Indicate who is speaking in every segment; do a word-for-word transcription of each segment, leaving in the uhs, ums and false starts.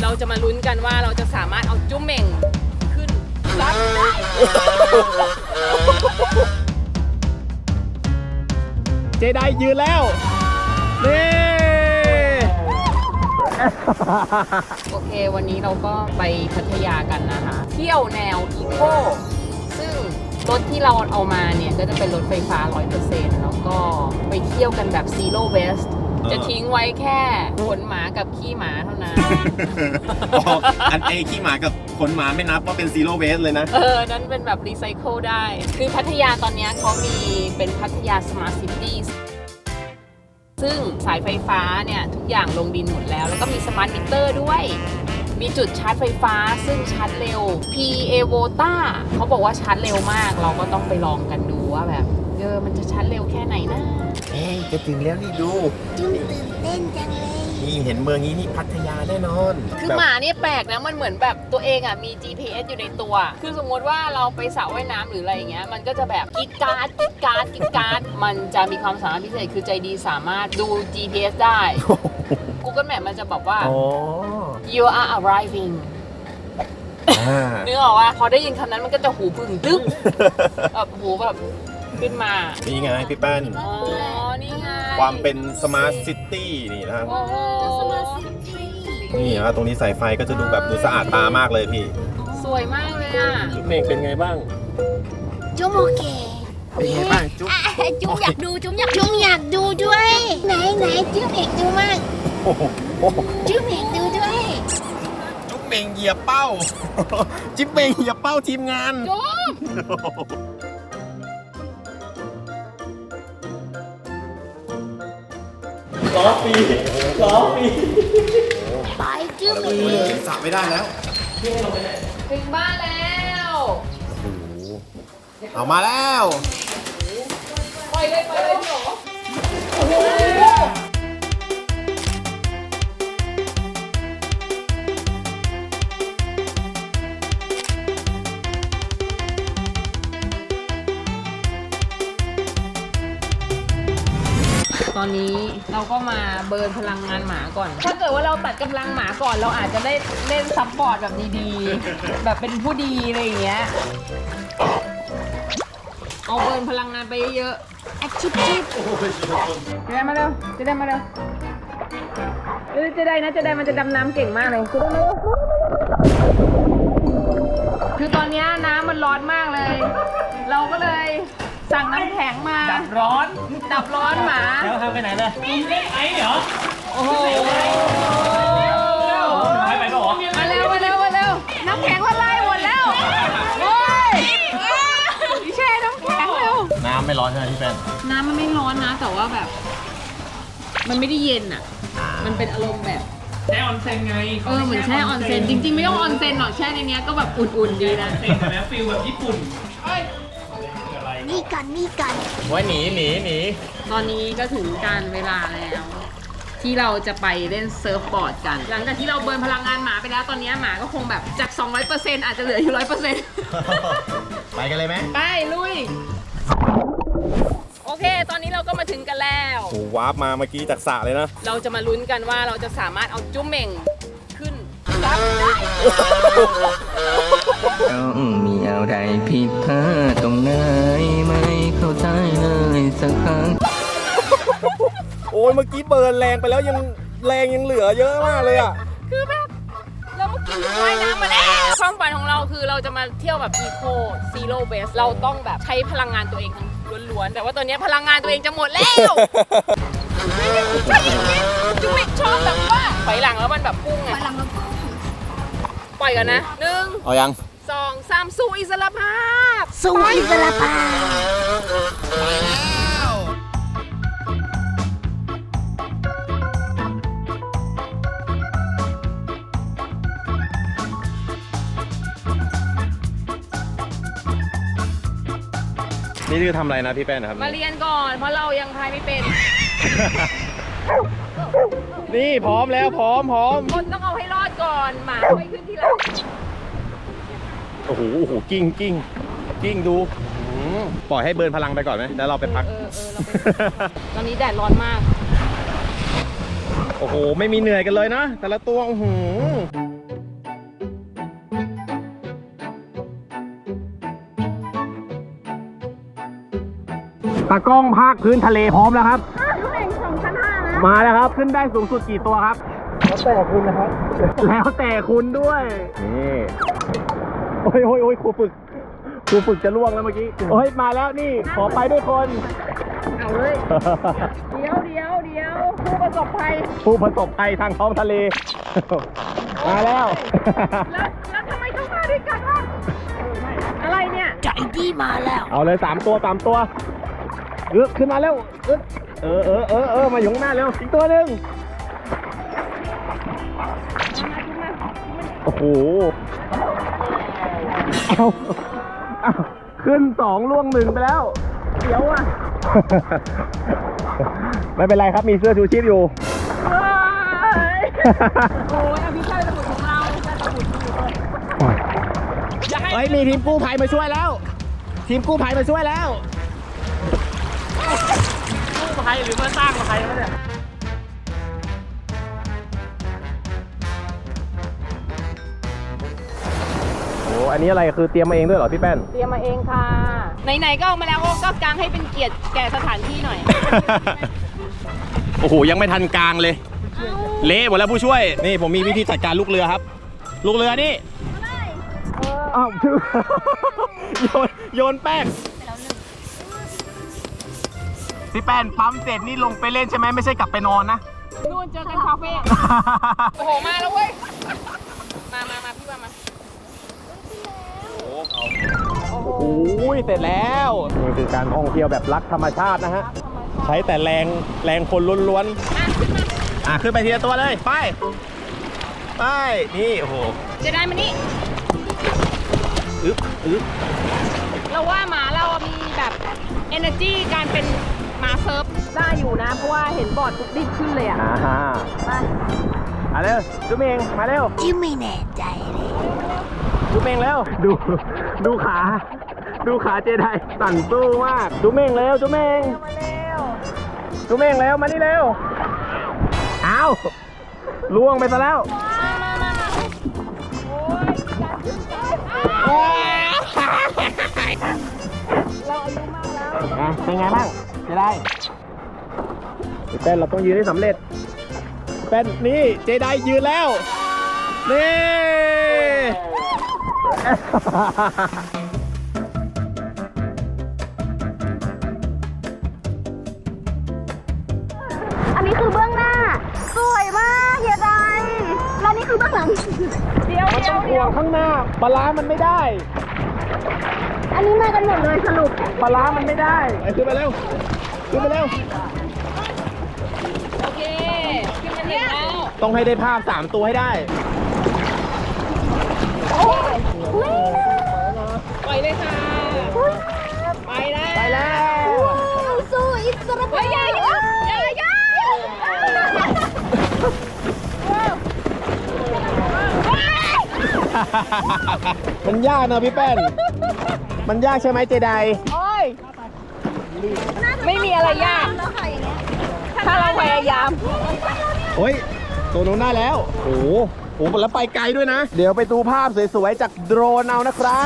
Speaker 1: เราจะมาลุ้นกันว่าเราจะสามารถเอาจุ๊มเหม่งขึ้นรถได้
Speaker 2: เจไดยืนแล้วนี่
Speaker 1: โอเควันนี้เราก็ไปพัทยากันนะคะเที่ยวแนวอีโก้ซึ่งรถที่เราเอามาเนี่ยก็จะเป็นรถไฟฟ้า ร้อยเปอร์เซ็นต์ แล้วก็ไปเที่ยวกันแบบ Zero Waste จะทิ้งไว้แค่ขนหมากับขี้หมาเท่านั้น
Speaker 2: อันเอขี้หมากับขนหมาไม่นับว่าเป็น Zero Waste เลยนะ
Speaker 1: เออนั้นเป็นแบบรีไซเคิลได้คือพัทยาตอนนี้เขามีเป็นพัทยา Smart Cityซึ่งสายไฟฟ้าเนี่ยทุกอย่างลงดินหมดแล้วแล้วก็มีสมาร์ทมิเตอร์ด้วยมีจุดชาร์จไฟฟ้าซึ่งชาร์จเร็ว พี เอ Vota เขาบอกว่าชาร์จเร็วมากเราก็ต้องไปลองกันดูว่าแบบเออมันจะชาร์จเร็วแค่ไหนนะ
Speaker 2: เอ๊ะจะถึงแล้วนี่ดู
Speaker 3: จุ๊บตื่นเต้นจังเลย
Speaker 2: นี่เห็นเมืองนี้นี่พัทยาแน่นอน
Speaker 1: คือหมาเนี่ยแปลกนะมันเหมือนแบบตัวเองอ่ะมี จี พี เอส อยู่ในตัวคือสมมติว่าเราไปสระว่ายน้ำหรืออะไรอย่างเงี้ยมันก็จะแบบกิ๊กการ์ดกิ๊กการ์ดกิ๊กการ์ดมันจะมีความสามารถพิเศษคือใจดีสามารถดู จี พี เอส ได้ Google Map มันจะบอกว่า you are arriving นึกออกว่าพอได้ยินคำนั้นมันก็จะหูพึ่งตึ๊บแบบหูแบบขึ้นมา
Speaker 2: นี่ไงพี่แป้น
Speaker 1: อ๋อนี่ไง
Speaker 2: ความเป็นสมาร์ทซิตี้นี่นะครับนี่นะตรงนี้สายไฟก็จะดูแบบดูสะอาดตามากเลยพี่
Speaker 1: สวยมากเลยอ่ะ
Speaker 2: จุ๊บเมฆเป็นไงบ้าง
Speaker 3: จุ๊บโอเค
Speaker 2: เป็นไงบ้างจุ๊บ
Speaker 3: จุ๊บอยากดูจุ๊บอยากจุ๊บอยากดูด้วยไหนไหนจุ๊บเอกดูมากจุ๊บเอกดูด้วย
Speaker 2: จุ๊บเมงเหยียบเป้าจิ๊บเมงเหยียบเป้าทีมงาน
Speaker 1: จุ๊บ
Speaker 2: ล้อปีล้อปี
Speaker 3: ไปจุ๊บ
Speaker 2: สระไม่ได้แล้ว
Speaker 1: ถึงบ้านแล้ว
Speaker 2: เอามาแล้ว
Speaker 1: ปล่อยเลยปล่อยเลยพี่หรอโอ้โหตอนนี้เราก็มาเบิร์นพลังงานหมาก่อนถ้าเกิดว่าเราตัดกำลังหมาก่อนเราอาจจะได้เล่นซัพพอร์ตแบบดีๆแบบเป็นผู้ดีอะไรอย่างเงี้ยเอาเบิร์นพลังงานไปเยอะ
Speaker 3: ๆอาชิบชิบ
Speaker 1: จะได้มาเร็วจะได้มาเร็วเออจะได้นะจะได้มันจะดำน้ำเก่งมากเลยจะได้มาเร็วคือตอนนี้น้ำมันร้อนมากเลยเราก็เลยสั่งน้ำแข็งมาดับร้อนดับร้อนหมา
Speaker 4: แล้วทำไปไหนเลยไอ้เหรอ
Speaker 1: โอ้โห
Speaker 4: ไปไปก็หรอ
Speaker 1: มาเร็วมาเร็วมาเร็วน้ำแข็งละลายหมดแล้วโอ้ยแช่น้ำแข็งเร็ว
Speaker 2: น้ำไม่ร้อนใช่ไหมพี่แฟน
Speaker 1: น้ำมันไม่ร้อนนะแต่ว่าแบบมันไม่ได้เย็นอ่ะมันเป็นอารมณ์แบบ
Speaker 4: แช่ออนเซ็นไง
Speaker 1: เออเหมือนแช่ออนเซ็นจริงๆไม่ต้องออนเซ็นหรอกแช่ในนี้ก็แบบอุ่นๆดีนะ
Speaker 4: เซ็นแล้วฟิลแบบญี่ปุ่น
Speaker 3: นี่กันนี่กัน
Speaker 2: ไว้หนีหนีหนี
Speaker 1: ตอนนี้ก็ถึงการเวลาแล้วที่เราจะไปเล่นเซิร์ฟบอร์ดกันหลังจากที่เราเบิร์นพลังงานหมาไปแล้วตอนนี้หมาก็คงแบบจาก สองร้อยเปอร์เซ็นต์ อาจจะเหลืออยู่ ร้อยเปอร์เซ็นต์
Speaker 2: ไปกันเลยไหม
Speaker 1: ไปลุยโอเคตอนนี้เราก็มาถึงกันแล้ว
Speaker 2: โอ้วาร์ปมาเมื่อกี้จากสระเลยนะ
Speaker 1: เราจะมาลุ้นกันว่าเราจะสามารถเอาจุ๊มเหม่งขึ้นรับได้
Speaker 5: มีอะไรผิดพลาดตรงไหนไม่เข้าใจเลยสักครั้ง
Speaker 2: โอ้ยเมื่อกี้เบิร์นแรงไปแล้วยังแรงยังเหลือเยอะมากเลยอ่ะ
Speaker 1: คือแบบเราเมื่อกี้ว่ายน้ำมาแล้วความฝันของเราคือเราจะมาเที่ยวแบบอีโคซีโร่เบสเราต้องแบบใช้พลังงานตัวเองล้วนๆแต่ว่าตอนนี้พลังงานตัวเองจะหมดแล้วใช่อย่างนี้จุ๊บชอบแบบว่าถอยหลังแล้วมันแบบพุ่งไงปล่อยกันนะหนึ่ง
Speaker 2: เอายัง
Speaker 1: สองสามสู้อิสระภาพ
Speaker 3: สู้อิสระภา
Speaker 2: พนี่คือทำอะไรนะพี่แป้นนะครับ
Speaker 1: มาเรียนก่อนเพราะเรายังพายไม่เป็น
Speaker 2: นี่พร้อมแล้วพร้อมพร้อม
Speaker 1: คนต้องเอาให้รอดก่อนหมาค่อยขึ้นทีหลัง
Speaker 2: โอ้โหโอ้โหกิ้งกิ้งกิ้งดูปล่อยให้เบิร์นพลังไปก่อนไหมแล้วเราไปพัก
Speaker 1: เออเออเราไปตอนนี้แดดร้อนมาก
Speaker 2: โอ้โหไม่มีเหนื่อยกันเลยนะแต่ละตัวโอ้โหตากล้องภาคพื้นทะเลพร้อมแล้วครับมาแล้วครับขึ้นได้สูงสุดกี่ตัวครับแล้วแต่คุณนะครับแล้วแต่คุณด้วยนี่โอ้ยโอ้ยโอ้ยครูฝึกครูฝึกจะล่วงแล้วเมื่อกี้โอ้ยมาแล้วนี่ขอไปด้วยคน
Speaker 1: เอาเลย เดี๋ยวเดี๋ยวเดี๋ยวผู้ประสบภัย
Speaker 2: ผู้ประสบภัยทางท้องทะเล มาแล้ว
Speaker 1: แล้วแล้วทำไมต้องมาด้วยกันล่ะอะไรเนี่ย
Speaker 3: ใจดีมาแล้ว
Speaker 2: เอาเลยสามตัวสามตัวเออขึ้นมาเร็วอึ๊ดเออเออเออเออมาอยู่ข้างหน้าเร็วอีกตัวหนึ่งโอ้โหเอาเอาขึ้นสองล่วงหนึ่งไปแล้วเดี๋ยวอ่ะ ไม่เป็นไรครับมีเสื้อชูชีพอยู่
Speaker 1: โอ้ยอภิชัยสมุทรของเราจะสมุทรอยู่เลยอย่าให้
Speaker 2: เฮ้ยมีทีมกู้ภัยมาช่วยแล้ว ทีมกู้ภัยมาช่วยแล้ว
Speaker 4: กู้ภัยหรือมาสร้างมาใครเขาเนี่ย
Speaker 2: โอ้อันนี้อะไรคือเตรียมมาเองด้วยเหรอพี่แป้น
Speaker 1: เตรียมมาเองค่ะ ไหนๆก็เอามาแล้วก็กางให้เป็นเกียรติแก่สถานที่หน่อย
Speaker 2: โอ้โหยังไม่ทันกลางเลย เละหมดแล้วผู้ช่วย นี่ผมมีวิธีจัดการลูกเรือครับ ลูกเรือนี่อ้าวชื่อ โยนโยนแป้งพี่แป้นปั๊มเสร็จนี่ลงไปเล่นใช่ไหมไม่ใช่กลับไปนอนนะ
Speaker 1: นู่นเจอกันคาเฟ่ โอ้โห มาแล้วเว้ย มามามาพี่ว่ามา
Speaker 2: โอ้โหเสร็จแล้วนี่คือการท่องเที่ยวแบบรักธรรมชาตินะฮะ ใช้แต่แรงแรงคนล้วนๆอ่ะขึ้นไปทีละตัวเลยไปไปนี่โอ้โห
Speaker 1: จะได้มานี่
Speaker 2: อึ๊บอึ๊บ
Speaker 1: เราว่าหมาเราอะมีแบบ energy การเป็นหมาเซิร์ฟได้อยู่นะ เพราะว่าเห็นบอร์ดทุกดิบขึ้นเลยอะ
Speaker 2: อ่าฮะ
Speaker 1: ไป
Speaker 2: มาเร็วจุ๊บเมงมาเร็ว
Speaker 3: จิ้มไม่แน่ใจเลย
Speaker 2: จุ๊บเมงเร็วดูดูขา ดูขาเจไดสั่นสู้มากจุ๊บเมงเร็วจุ๊บเมง
Speaker 1: มาเร็ว
Speaker 2: จุ๊บเมงเร็วมานี่เร็วอ้าวล่วงไปซะแล้ว
Speaker 1: มามามามาโอ้ยอยากขึ้นไปเราอายุมากแล้ว
Speaker 2: อ่ะเป็นไงบ้างเจไดเป็นเราต้องยืนให้สำเร็จเป็นนี่เจไดยืนแล้วนี่
Speaker 3: อันนี้คือเบื้องหน้า สวยมากเฮียไดแล้วนี่คือเบื้องหลัง
Speaker 1: เดี๋ยว
Speaker 2: มัน
Speaker 1: เดี๋
Speaker 2: ต้
Speaker 1: ย
Speaker 2: อ
Speaker 1: ว
Speaker 2: งห่
Speaker 1: เดี๋
Speaker 2: ว
Speaker 1: ยว
Speaker 2: งข้างหน้าปลาร้ามันไม่ได้
Speaker 3: อันนี้มากันหมดเลยสรุป
Speaker 2: ปลาร้ามันไม่ได้ไอ้ขึ้นไปเร็วขึ้นไปเร็ว
Speaker 1: โอเคขึ้นมาถึงแล้ว
Speaker 2: ต้องให้ได้ภาพสามตัวให้ได้
Speaker 1: ปล่อยเลยค่ะไปแล้ว
Speaker 2: ไปแล้ว
Speaker 3: สู้อิสระภาพ
Speaker 1: อย่าอย่าอย่าอย่า
Speaker 2: มันยากนะพี่แป้น มันยากใช่ไหมเจได
Speaker 1: โอ้ยไม่มีอะไรยาก ถ้าเราพยายาม
Speaker 2: โอ้ยตัวนู้นได้แล้ว โอ้โหโอ้โหแล้วไปไกลด้วยนะ เดี๋ยวไปดูภาพสวยๆจากโดรนเอานะครับ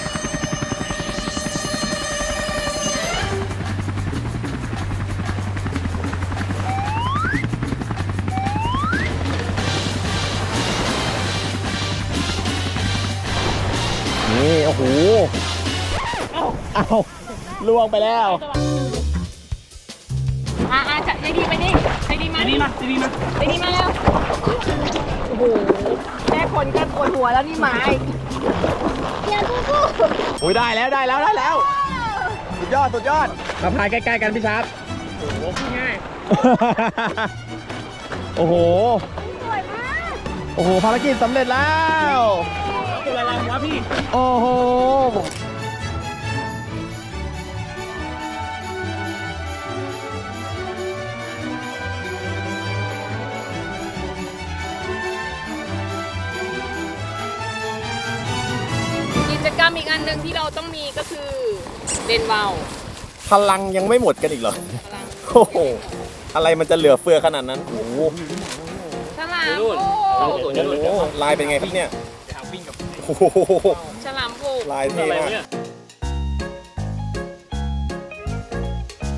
Speaker 2: นี่ โอ้โห เอาล่วงไปแล้ว
Speaker 1: อ่าจะใจดีไปดิใจดีมา
Speaker 4: ดีมาดีมา
Speaker 1: ใจดีมาแล้วโอ้โหแม่คนก็ปวดหัวแล้วนี่หมาอีก
Speaker 3: อย่าสู้
Speaker 2: โอ้ยได้แล้วได้แล้วได้แล้ว สุดยอดสุดยอดมาพายใกล้ๆกันพี่ชาร์ป
Speaker 4: โอ้โหง่าย
Speaker 2: โอ้โห
Speaker 3: สวยมาก
Speaker 2: โอ้โห ภารกิจสำเร็จแล้ว
Speaker 4: ตัวอะไรวะพี่
Speaker 2: โอ้โห
Speaker 1: กิจกรรมอีกอันหนึ่งที่เราต้องมีก็คือเล่นว่าว
Speaker 2: พลังยังไม่หมดกันอีกเหรอ
Speaker 1: พลัง
Speaker 2: โอ้โห อะไรมันจะเหลือเฟือขนาดนั้น โอ้โห
Speaker 1: ฉลาม
Speaker 4: นู่น
Speaker 1: โอ้
Speaker 4: สวยนู่น
Speaker 2: โอ้โหลายเป็นไงครับเนี่ย
Speaker 4: หาวิ่งกับ
Speaker 2: โอ้โห
Speaker 1: ฉลามโบก
Speaker 2: ลายเท่
Speaker 4: อะไร
Speaker 2: มาก
Speaker 4: เนี่ย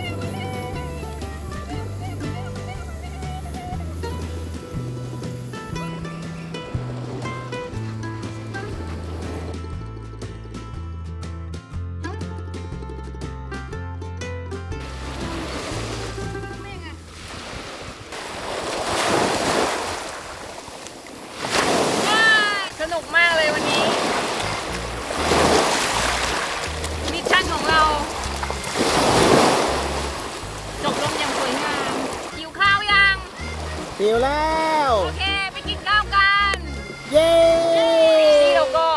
Speaker 1: สนุกมากเลยวันนี้ มิชชั่นของเรา จบลงอย่างสวยงามหิวข้าวยัง
Speaker 2: หิวแล้ว
Speaker 1: โอเค ไปกินข้าวกัน
Speaker 2: เย้
Speaker 1: นี่เราก็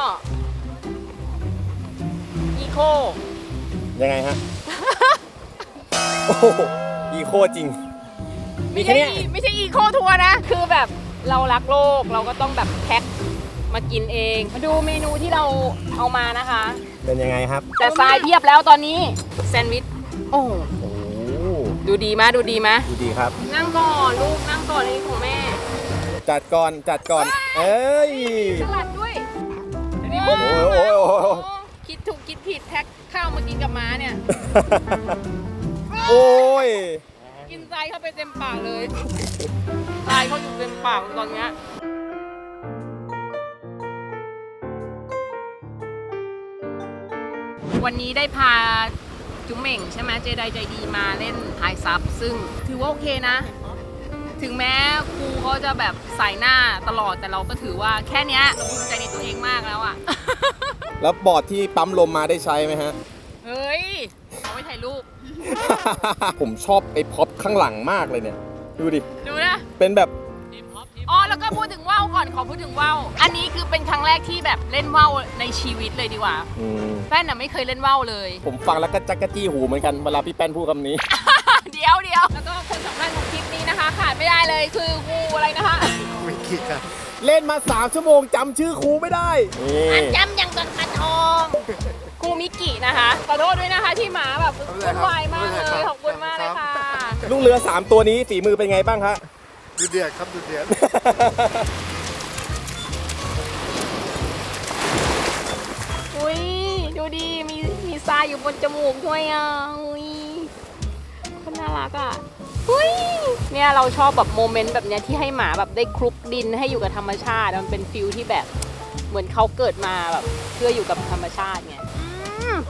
Speaker 1: อีโค
Speaker 2: ยังไงฮะ โอ้โหอีโคจริง มี
Speaker 1: ไม่
Speaker 2: แค่
Speaker 1: ใช่
Speaker 2: เนี้ย
Speaker 1: ไม่ใช่อีโคทัวร์นะ คือแบบเรารักโลกเราก็ต้องแบบแพ็คมากินเอง มาดูเมนูที่เราเอามานะคะ
Speaker 2: เป็นยังไงครับ
Speaker 1: แต่ทรายเพียบแล้วตอนนี้แซนด์วิช โอ้
Speaker 2: โอ้
Speaker 1: ดูดีมะดูดีมะ
Speaker 2: ดูดีครับ
Speaker 1: นั่งก่อนลูกนั่งก่อนนี่ของแม่
Speaker 2: จัดก่อน จัดก่อน เอ้ย
Speaker 1: สลัดด้วย
Speaker 2: โอ้โหโอ้โหโอ้โห
Speaker 1: คิดถูกคิดผิดแพ็คข้าวมากินกับม้าเนี่ย
Speaker 2: โอ้ย
Speaker 1: กินทรายเข้าไปเต็มปากเลยทรายเขาอยู่เต็มปากตอนเนี้ยวันนี้ได้พาจุ๋มเหม่งใช่ไหมเจไดใจดีมาเล่นทายซับซึ่งถือว่าโอเคนะ ถึงแม้ครูเขาจะแบบใส่หน้าตลอดแต่เราก็ถือว่าแค่เนี้ยเราภูมิใจในตัวเองมากแล้วอ่ะ
Speaker 2: แล้วบอร์ดที่ปั๊มลมมาได้ใช้ไหมฮะ
Speaker 1: เฮ้ยเอาไว้ถ่ายรูป
Speaker 2: ผมชอบไอ้พ็อปข้างหลังมากเลยเนี่ย ดูดิ
Speaker 1: ดูนะ
Speaker 2: เป็นแบบ
Speaker 1: อ๋อแล้วก็พูดถึงว่าวก่อนขอพูดถึงว่าวอันนี้คือเป็นครั้งแรกที่แบบเล่นว่าวในชีวิตเลยดีกว่า
Speaker 2: อืม
Speaker 1: แป้นน่ะไม่เคยเล่นว่าวเลย
Speaker 2: ผมฟังแล้วก็จักกะจี้หูเหมือนกันเวลาพี่แป้นพูดคำนี้
Speaker 1: เดี๋ยวเดี๋ยวแล้วก็คนสำคัญของคลิปนี้นะคะ ขาดไม่ได้เลยคืองูอะไรนะคะ
Speaker 2: เล่นมาสามชั่วโมงจำชื่อครูไม่ได้
Speaker 3: อั
Speaker 2: นี่
Speaker 3: นจำยังต้นปลาทอง
Speaker 1: งูมิกินะคะขอโทษด้วยนะคะที่หมาแบบวุ่นวายมากเลยขอบคุณมากเลยค่ะ
Speaker 2: ลูกเรือสามตัวนี้ฝีมือเป็นไงบ้างฮะ
Speaker 6: ดูเดือดครับดูเดือด
Speaker 1: อุ้ยดูดีมีมีทรายอยู่บนจมูกด้วยอ่ะอุ้ยคนน่ารักอ่ะอุ้ยเนี่ยเราชอบแบบโมเมนต์แบบเนี้ยที่ให้หมาแบบได้คลุกดินให้อยู่กับธรรมชาติมันเป็นฟิลที่แบบเหมือนเขาเกิดมาแบบเพื่ออยู่กับธรรมชาติไงอืม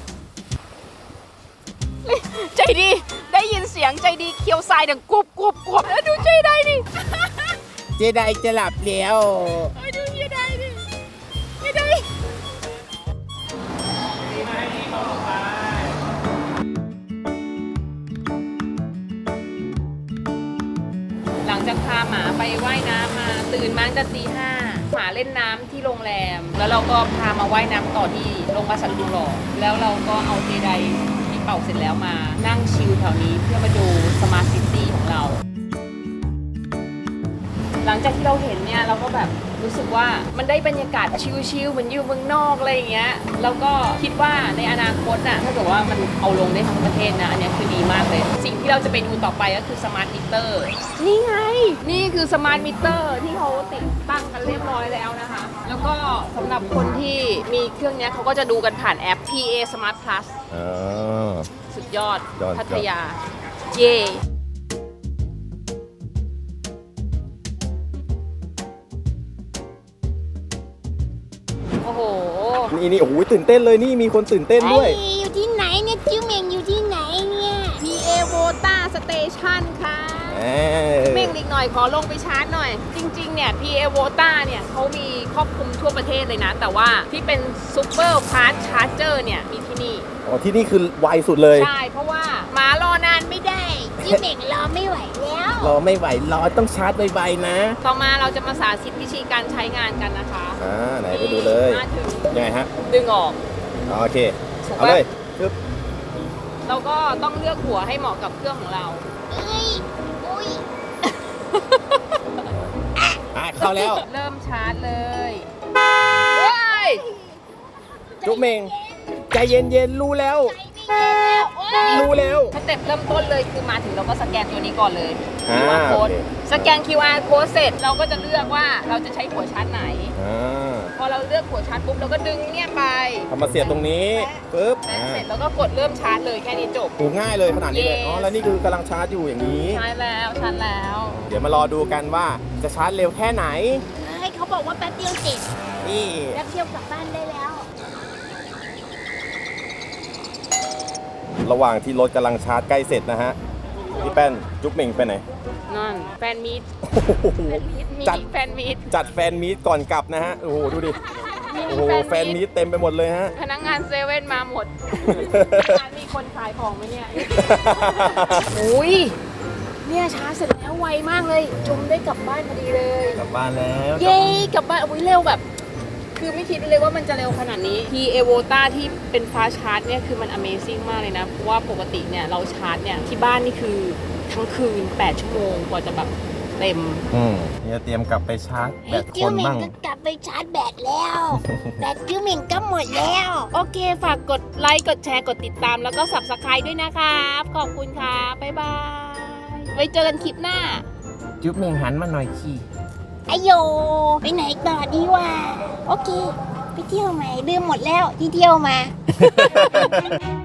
Speaker 1: ใจดีได้ยินเสียงใจดีเคี้ยวทรายดังกรุบกรุบกรุบแล้วดูใจได้ดิ
Speaker 2: เจไดจะหลับแล้ว
Speaker 1: เอ้ยดูเฮียได้ดิเฮียได้หลังจากพาหมาไปว่ายน้ำมาตื่นมาตั้งแต่ตีห้าหมาเล่นน้ำที่โรงแรม แล้วเราก็พามาว่ายน้ำต่อที่โรงพยาบาลสัตว์ทองหล่อแล้วเราก็เอาเจไดที่เป่าเสร็จแล้วมานั่งชิลแถวนี้เพื่อมาดูสมาร์ทซิตี้ของเรา หลังจากที่เราเห็นเนี่ยเราก็แบบรู้สึกว่ามันได้บรรยากาศชิลๆเหมือนอยู่เมืองนอกอะไรอย่างเงี้ยแล้วก็คิดว่าในอนาคตน่ะถ้าเกิดว่ามันเอาลงได้ทั้งประเทศนะอันเนี้ยคือดีมากเลย สิ่งที่เราจะไปดูต่อไปก็คือสมาร์ทมิเตอร์นี่ไงนี่คือสมาร์ทมิเตอร์ที่เขาติดตั้งกันเรียบร้อยแล้วนะคะแล้วก็สำหรับคนที่มีเครื่องเนี้ยเขาก็จะดูกันผ่านแอป พี เอ Smart Plus
Speaker 2: อ๋อ
Speaker 1: สุดยอด
Speaker 2: ยอด
Speaker 1: พัทยาเย่โอ้โห
Speaker 2: นี่นี่โอ้โหตื่นเต้นเลยนี่มีคนตื่นเต้นด้วย
Speaker 3: ไอ้อยู่ที่ไหนเนี่ยจิ้วเหม่งอยู่ที่ไหนเนี่ย
Speaker 1: พี เอ Vota Station ค่ะ
Speaker 2: เอ้ย
Speaker 1: เม่งอีกหน่อยขอลงไปชาร์จหน่อย จริงๆ เนี่ย พี เอ Vota เนี่ยเขามีครอบคลุมทั่วประเทศเลยนะ แต่ว่าที่เป็นซูเปอร์ฟาสต์ชาร์จเจอร์เนี่ย มีที่นี่
Speaker 2: อ๋อที่นี่คือไวสุดเลย
Speaker 1: ใช่ เพราะว่าหมารอนานไม่ได้
Speaker 3: จิ้วเหม่งรอไม่ไหวแล้ว
Speaker 2: รอไม่ไหวรอต้องชาร์จไวๆนะ
Speaker 1: ต่อมาเราจะมาสาธิตวิธีการใช้งานกันนะคะ
Speaker 2: อ่าไหนไปดูเลย
Speaker 1: มาถึง
Speaker 2: ยังไงฮะ
Speaker 1: ดึงออก
Speaker 2: อ๋อโอเคเอาเลยปึ๊บ
Speaker 1: เราก็ต้องเลือกหัวให้เหมาะกับเครื่องของเรา
Speaker 3: เอ้ยอุ้ย
Speaker 2: อ่ะเข้าแล้ว
Speaker 1: เริ่มชาร์จเลยเฮ้ย
Speaker 2: จุ๊บเมงใจเย็นๆรู้แล้ว รู้แล้ว
Speaker 1: สเต็ปเริ่มต้นเลยคือมาถึงเราก็สแกนตัวนี้ก่อนเลย
Speaker 2: อ่า
Speaker 1: คิว อาร์ code
Speaker 2: โอเค
Speaker 1: สแกน คิว อาร์ code เสร็จเราก็จะเลือกว่าเราจะใช้หัวชาร์จไหน
Speaker 2: อ่า
Speaker 1: พอเราเลือกหัวชาร์จปุ๊บเราก็ดึงเนี่ยไป
Speaker 2: ทำมาเสียบตรงนี้ปึ๊บ
Speaker 1: แล้
Speaker 2: อ่า
Speaker 1: เสร็จแล้วก็กดเริ่มชาร์จเลยแค่นี้จบ
Speaker 2: ถูกง่ายเลยขนาดนี้เลย
Speaker 1: Yes
Speaker 2: อ๋อแล้วนี่คือกำลังชาร์จอยู่อย่างนี้
Speaker 1: ใช้แล้วชาร์จแล้ว
Speaker 2: เดี๋ยวมารอดูกันว่าจะชาร์จเร็วแค่ไหน
Speaker 3: ให้เขาบอกว่าแป๊บเดียวเสร็จ
Speaker 2: นี่
Speaker 3: แป๊บเดียวกลับบ้านได้แล้ว
Speaker 2: ระหว่างที่รถกำลังชาร์จใกล้เสร็จนะฮะพี่แป้นจุ๊บเมงไปไหน
Speaker 1: นั่นแฟนมีด
Speaker 2: โอ้โห
Speaker 1: มี
Speaker 2: จัด
Speaker 1: แฟนมีด
Speaker 2: จัดแฟนมีตก่อนกลับนะฮะ โอ้โห ดูดิ โอ้โห แฟนมีตเต็มไปหมดเลยฮะ
Speaker 1: พนักงานเซเว่นมาหมด ร้านมีคนขายของไหมเนี่ย อุ้ยเนี่ยช้าเสร็จแล้วไวมากเลยจุมได้กลับบ้านพอดีเลย
Speaker 2: กลับบ้านแล้ว
Speaker 1: เย้กลับบ้านอุ้ยเร็วแบบ คือไม่คิดเลยว่ามันจะเร็วขนาดนี้ ที เอ โว ตา ที่เป็นฟ้าชาร์จเนี่ยคือมัน Amazing มากเลยนะ เพราะว่าปกติเนี่ยเราชาร์จเนี่ยที่บ้านนี่คือทั้งคืนแปดชั่วโมงกว่าจะแบบเต็ม
Speaker 2: อืมเนี่ยเตรียมกลับไปชาร์จแบ
Speaker 3: ไอ้
Speaker 2: ตค
Speaker 3: จิ้วน เหม่ง
Speaker 2: บ้าง
Speaker 3: ก็กลับไปชาร์จแบตแล้ว แบตจิ้วเหม่งก็หมดแล้ว
Speaker 1: โอเค ฝากกดไลค์ กดแชร์ กดติดตาม แล้วก็ Subscribe ด้วยนะครับ ขอบคุณครับ บ๊ายบาย ไว้เจอกันคลิปหน้า
Speaker 2: จุ๊บเมงหันมาหน่อยขี้
Speaker 3: ไอโย ไปไหนต่อดีวะโอเค ไปเที่ยวใหม่ลืมหมดแล้วที่เที่ยวมา